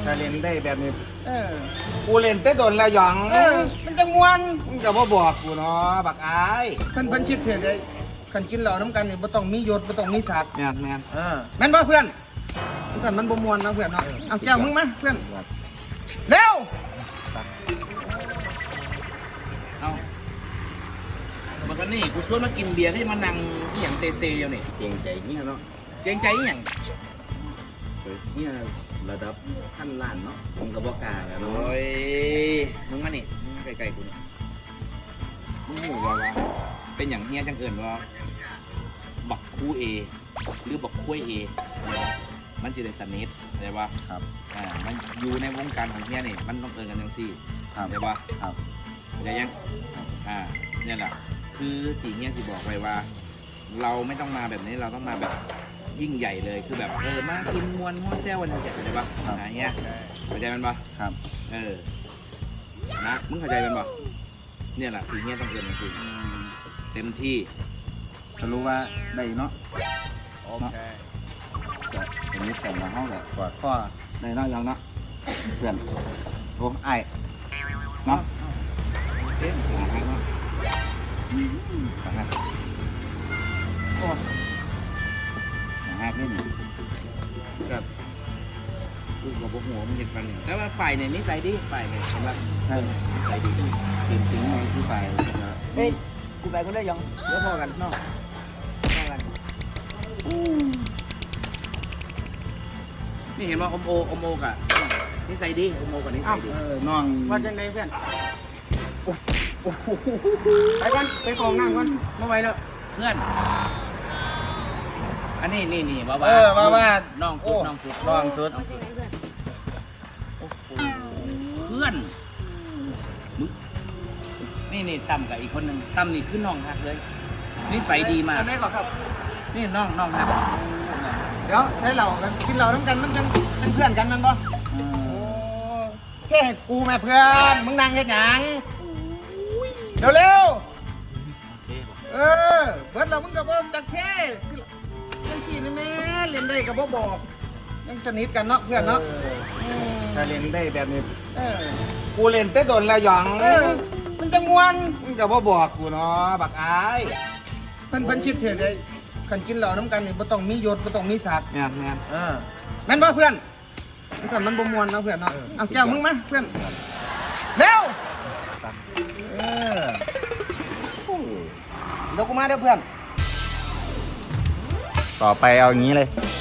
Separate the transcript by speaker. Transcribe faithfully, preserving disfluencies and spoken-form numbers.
Speaker 1: ถ้าเล่นได้แบบนี้
Speaker 2: เออ
Speaker 1: กูเล่นแต่โดนแล้วหยอง
Speaker 2: เออมันจะมวน
Speaker 1: มึงก็บ่บอกกูเนาะบักอาย
Speaker 2: เพิ่นเพิ่นชิดเถิดได้คันกินเหล้าน้ำกันนี่บ่ต้องมียศบ่ต้องมีศักดิ์
Speaker 1: แม่นแม่น
Speaker 2: เออแม่นบ่เพื่อนสั่นมันบ่มวนนะเพื่อนเนาะเอาแก้วมึงมาเพื่อนเร็ว
Speaker 3: เอาบักวันนี้กูชวนมากินเบียร์ที่มานั่งอีหยังเตเซอยู่นี่
Speaker 1: เก่งใจเนี่ยเนาะ
Speaker 3: เกรงใจอีหยัง
Speaker 1: เฮ้ยเนี่ยระดับขั้นล้านเนาะผมก็บ่กล้าแล้ว
Speaker 3: โอ้
Speaker 1: เนาะ
Speaker 3: ยมึงมานี่มึงใกล้ๆกูนี่มึงรู้ว่าว่าเป็นอย่างเฮียจังเอิญว่าบักคู่เอหรือบักคุ้ยเอมันสิได้สนิทเข้าใจป่ะ
Speaker 1: ครับ
Speaker 3: อ่ามันอยู่ในวงการของเฮียนี่มันต้องเอิญกันจังซี่
Speaker 1: ครับ
Speaker 3: เข้าใจป่ะ
Speaker 1: ครับ
Speaker 3: เข้าใจยังอ่าเนี่ยแหละคือตีเฮียสิบอกไว้ว่า เราไม่ต้องมาแบบนี้เราต้องมาแบบยิ่งใหญ่เลยคือแบบเออมากินมวนมั่วแซววันนี้เข้าใจป่ะอ่าเฮียเข้าใจมันป่ะ
Speaker 1: ครับ
Speaker 3: เออนะมึงเข้าใจมันป่ะเนี่ยแหละตีเฮียต้องเอิญจริงๆเต็มที่
Speaker 1: ก็รู้ว่าได้เนาะโอเคก็เป็นนิดแต่ละห้องแบบกอดข้อในเนาะยังเนาะเพื่อนโอ้ไอ้เนาะ
Speaker 3: เอ๊ะหาทางเนาะ
Speaker 1: สาหัสโอ้สาหัสนี่นี่
Speaker 3: กับกูกับพวกหัวมันเห็นกันเนี่ยแต่ว่าฝ่ายเนี่ยนิสัยดีฝ่ายเนี่ยเห็นป่ะ
Speaker 1: ใช่
Speaker 3: นิสัยดี
Speaker 1: เก่งจริงไงที่ไปนะ
Speaker 2: เฮ้ยกูไปคนได้ยังเดี๋ยวพอกันเนาะ
Speaker 3: น่ารักนี่เห็นว่าอมโออมโอกะนิสัยดีอมโอกับนิสัยดี
Speaker 1: เออน้อง
Speaker 2: ว่าจังไดเพื่อนโอ้โอ้โหไปก่อนไปกองน้ำก่อนมาไว้แล้ว
Speaker 3: เพื่อน อันนี้นี่นี่ว่า
Speaker 1: เออว่าว่า
Speaker 3: น้องสุดน้องสุด
Speaker 1: น้องสุด
Speaker 3: น้องสุดเพื่อนมึงนี่นี่ตั้มกับอีกคนหนึ่งตั้มนี่คือน้องฮักเลย นิสัยดีมาก
Speaker 2: อันไหนก่อนครับ
Speaker 3: นี่น้องน้องฮัก
Speaker 2: เดี๋ยวใช้เหล้ากันกินเหล้าน้ำกันมันเป็นเป็นเพื่อนกันมันบ่
Speaker 1: อืม
Speaker 2: โอ้แค่ให้กูแม่เพื่อนมึงนั่งเฮ็ดหยังเร็วเร็วๆเออเบิดเรามึงก็บ่จักเท่ยังสี่นี่แม่เล่นได้ก็บ่บอกยังสนิทกันเนาะเพื่อนเนาะ
Speaker 1: ถ้าเล่นได้แบบนี้
Speaker 2: เออ
Speaker 1: กูเล่นแต่โดนแล้วหยอง
Speaker 2: เออมันจะมวน
Speaker 1: มึงก็บ่บอกกูเนาะบักอาย
Speaker 2: เพิ่นเพิ่นชิดเถิดได้คันกินเหล้าน้ำกันนี่บ่ต้องมียศบ่ต้องมีศักดิ์
Speaker 1: แม่นแม่น
Speaker 2: เออแม่นบ่เพื่อนมันสั่นมันบ่ม่วนเนาะเพื่อนเนาะเอาแก้วมึงมาเพื่อนเร็วเออโอ้เดี๋ยวกูมาเด้อเพื่อน
Speaker 1: ต่อไปเอาอย่างนี้เลย